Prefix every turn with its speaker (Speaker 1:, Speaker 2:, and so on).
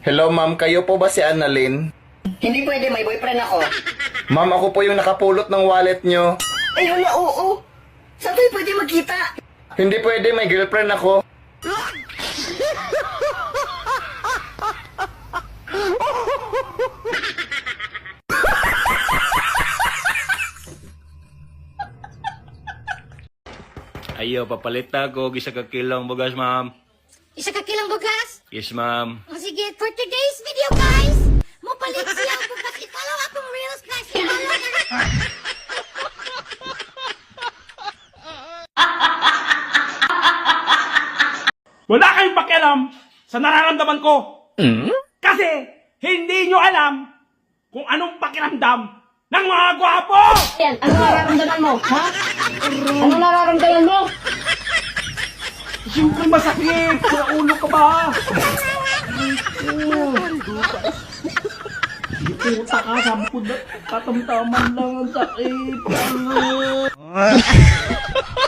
Speaker 1: Hello ma'am, kayo po ba si Annalyn?
Speaker 2: Hindi pwede, may boyfriend ako.
Speaker 1: Ma'am, ako po yung nakapulot ng wallet nyo.
Speaker 2: Ay, hala, oo. Saan tayo pwede magkita?
Speaker 1: Hindi pwede, may girlfriend ako.
Speaker 3: Ayo, papalit na ako. Isa ka kilong bugas, ma'am.
Speaker 4: Isa ka kilang bugas?
Speaker 3: Yes, ma'am.
Speaker 4: O sige, for today's video guys, mapalit siya bugas. I-follow akong reels guys. I-follow na.
Speaker 5: Wala kayong pakialam sa nararamdaman ko. Kasi hindi nyo alam kung anong pakiramdam ng mga gwapo!
Speaker 2: Yan, ano nararamdaman mo? Ha? Ano nararamdaman mo?
Speaker 5: Siyempre masakit! Sa ulo ka ba? Puta ka, sabi ko na, katamtaman lang ang sakit.